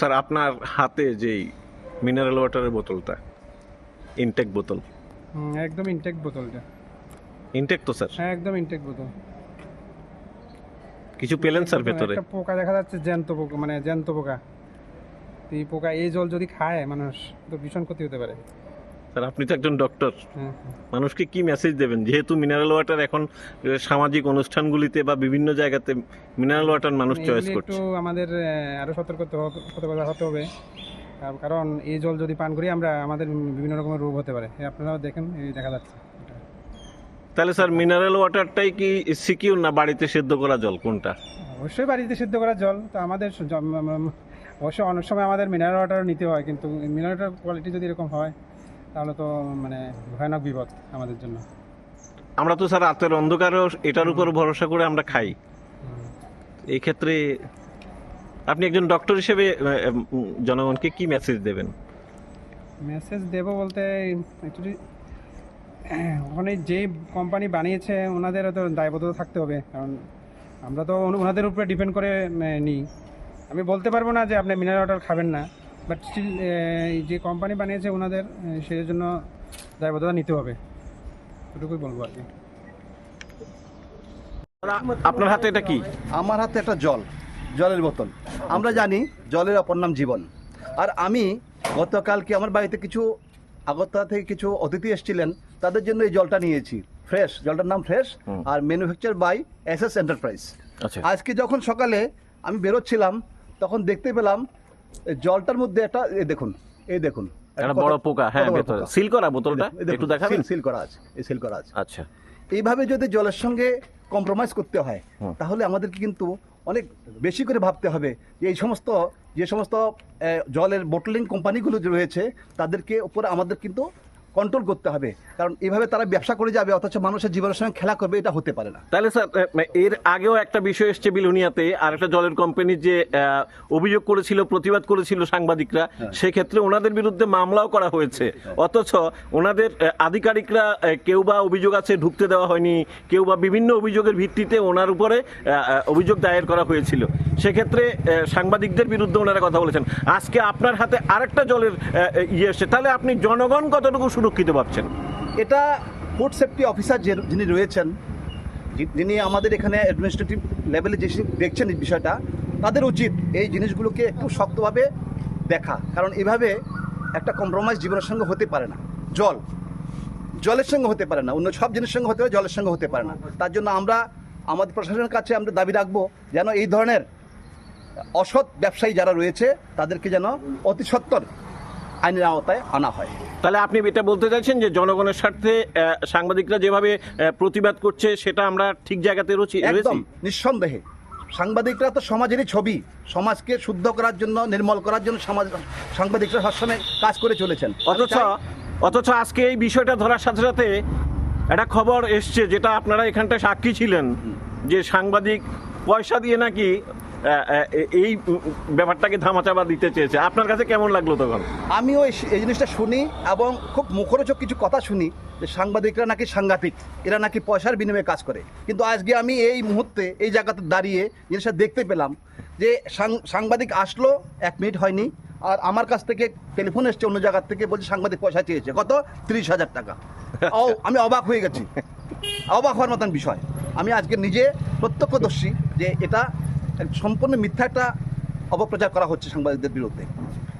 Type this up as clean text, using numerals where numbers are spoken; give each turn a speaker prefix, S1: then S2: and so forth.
S1: Sir আপনার হাতে যেই মিনারেল ওয়াটারের বোতলটা, ইনটেক বোতল,
S2: একদম ইনটেক বোতলটা।
S1: ইনটেক তো স্যার?
S2: হ্যাঁ, একদম ইনটেক বোতল।
S1: কিছু পেলেন স্যার ভেতরে?
S2: একটা পোকা দেখা যাচ্ছে, জ্যান্ত পোকা, মানে জ্যান্ত পোকা। এই পোকা, এই জল যদি খায় মানুষ তো ভীষণ ক্ষতি হতে পারে।
S1: স্যার আপনি তো একজন ডক্টর,
S2: হ্যাঁ,
S1: মানুষকে কি মেসেজ দেবেন, যেহেতু মিনারেল ওয়াটার এখন সামাজিক অনুষ্ঠানগুলিতে বা বিভিন্ন জায়গাতে মিনারেল ওয়াটার মানুষ চয়েস
S2: এগুলি
S1: করছে?
S2: একটু আমাদের আরো সতর্কতা হতে হবে, কারণ এই জল যদি পান করি আমরা, আমাদের বিভিন্ন রকমের রোগ হতে পারে। আপনারাও দেখেন, এই দেখা যাচ্ছে।
S1: তাহলে স্যার মিনারেল ওয়াটারটাই কি সিকিউর, না বাড়িতে সেদ্ধ করা জল, কোনটা?
S2: অবশ্যই বাড়িতে সিদ্ধ করা জল। তো আমাদের অবশ্যই অনেক সময় আমাদের মিনারেল ওয়াটার নিতে হয়, কিন্তু মিনারেল ওয়াটার কোয়ালিটি যদি এরকম হয় তাহলে তো মানে ভয়ানক বিপদ আমাদের জন্য।
S1: আমরা তো স্যার রাতের অন্ধকারেও এটার উপর ভরসা করে আমরা খাই। এই ক্ষেত্রে আপনি একজন ডক্টর হিসেবে জনগণকে কি মেসেজ দেবেন?
S2: মেসেজ দেব বলতে, অ্যাকচুয়ালি ওখানে যে কোম্পানি বানিয়েছে ওনাদেরও তো দায়বদ্ধতা থাকতে হবে, কারণ আমরা তো ওনাদের উপরে ডিপেন্ড করে নিই। আমি বলতে পারবো না যে আপনি মিনারেল ওয়াটার খাবেন না, বাট স্টিল যে কোম্পানি বানিয়েছে ওনাদের সেই জন্য দায়বদ্ধতা নিতে হবে, এটুকুই বলবো আর কি।
S1: আপনার হাতে এটা কি?
S3: আমার হাতে একটা জলের বোতল। আমরা জানি জলের অপর নাম জীবন। আর আমি গতকালকে আমার বাড়িতে কিছু আগরতলা থেকে কিছু অতিথি এসেছিলেন, তাদের জন্য এই জলটা নিয়েছি। ফ্রেশ, জলটার নাম ফ্রেশ, আর ম্যানুফ্যাকচার বাই এসএস এন্টারপ্রাইজ। আজকে যখন সকালে আমি বেরোচ্ছিলাম তখন দেখতে পেলাম জলটার মধ্যে একটা, এই দেখুন
S1: একটা বড় পোকা। হ্যাঁ, ভেতরে সিল করা বোতলটা একটু দেখাবেন?
S3: সিল করা আছে, সিল করা আছে।
S1: আচ্ছা,
S3: এইভাবে যদি জলের সঙ্গে কম্প্রোমাইজ করতে হয় তাহলে আমাদেরকে কিন্তু অনেক বেশি করে ভাবতে হবে যে যে সমস্ত জলের বোটলিং কোম্পানিগুলো যে রয়েছে তাদেরকে উপরে আমাদের কিন্তু কন্ট্রোল করতে হবে, কারণ এইভাবে তারা ব্যবসা করে যাবে অথচ মানুষের জীবনের সঙ্গে খেলা করবে, এটা হতে পারে না।
S1: তাহলে স্যার এর আগেও একটা বিষয় এসছে বিলোনিয়াতে, আর একটা জলের কোম্পানি যে অভিযোগ করেছিল, প্রতিবাদ করেছিল সাংবাদিকরা, সেক্ষেত্রে ওনাদের বিরুদ্ধে মামলাও করা হয়েছে, অথচ ওনাদের আধিকারিকরা কেউ বা অভিযোগ আছে ঢুকতে দেওয়া হয়নি, কেউ বা বিভিন্ন অভিযোগের ভিত্তিতে ওনার উপরে অভিযোগ দায়ের করা হয়েছিল। সেক্ষেত্রে সাংবাদিকদের বিরুদ্ধে ওনারা কথা বলেছেন। আজকে আপনার হাতে আরেকটা জলের ইয়ে এসছে, তাহলে আপনি জনগণ কতটুকু সুরক্ষিত ভাবছেন?
S3: এটা ফুড সেফটি অফিসার যিনি রয়েছেন, যিনি আমাদের এখানে অ্যাডমিনিস্ট্রেটিভ লেভেলে যে দেখছেন এই বিষয়টা, তাদের উচিত এই জিনিসগুলোকে একটু শক্তভাবে দেখা, কারণ এভাবে একটা কম্প্রোমাইজ জীবনের সঙ্গে হতে পারে না। জলের সঙ্গে হতে পারে না, অন্য সব জিনিসের সঙ্গে হতে পারে, জলের সঙ্গে হতে পারে না। তার জন্য আমরা আমাদের প্রশাসনের কাছে আমরা দাবি রাখবো যেন এই ধরনের অসৎ ব্যবসায়ী যারা রয়েছে তাদেরকে যেন অতি সত্বর আইনের আওতায় আনা হয়।
S1: তাহলে আপনি এটা বলতে চাইছেন যে জনগণের স্বার্থে সাংবাদিকরা যেভাবে প্রতিবাদ করছে সেটা আমরা ঠিক জায়গাতে রয়েছি?
S3: একদম নিঃসন্দেহে। সাংবাদিকরা তো সমাজেরই ছবি, সমাজকে শুদ্ধ করার জন্য, নির্মল করার জন্য সাংবাদিকরা সবসময় কাজ করে চলেছেন।
S1: অথচ আজকে এই বিষয়টা ধরার সাথে সাথে একটা খবর এসছে, যেটা আপনারা এখানটায় সাক্ষী ছিলেন, যে সাংবাদিক পয়সা দিয়ে নাকি এই ব্যাপারটাকে ধামাচাপা দিতে চেয়েছে। আপনার কাছে কেমন লাগলো তখন?
S3: আমিও এই জিনিসটা শুনি এবং খুব মুখরোচক কিছু কথা শুনি যে সাংবাদিকরা নাকি সাংঘাতিক, এরা নাকি পয়সার বিনিময়ে কাজ করে। কিন্তু আজকে আমি এই মুহূর্তে এই জায়গাতে দাঁড়িয়ে জিনিসটা দেখতে পেলাম যে সাংবাদিক আসলো, 1 মিনিট হয়নি, আর আমার কাছ থেকে টেলিফোন এসছে অন্য জায়গার থেকে, বলছে সাংবাদিক পয়সা চেয়েছে, কত? 30,000 টাকা। আমি অবাক হয়ে গেছি, অবাক হওয়ার মতন বিষয়। আমি আজকে নিজে প্রত্যক্ষদর্শী যে এটা সম্পূর্ণ মিথ্যা একটা অপপ্রচার করা হচ্ছে সাংবাদিকদের বিরুদ্ধে।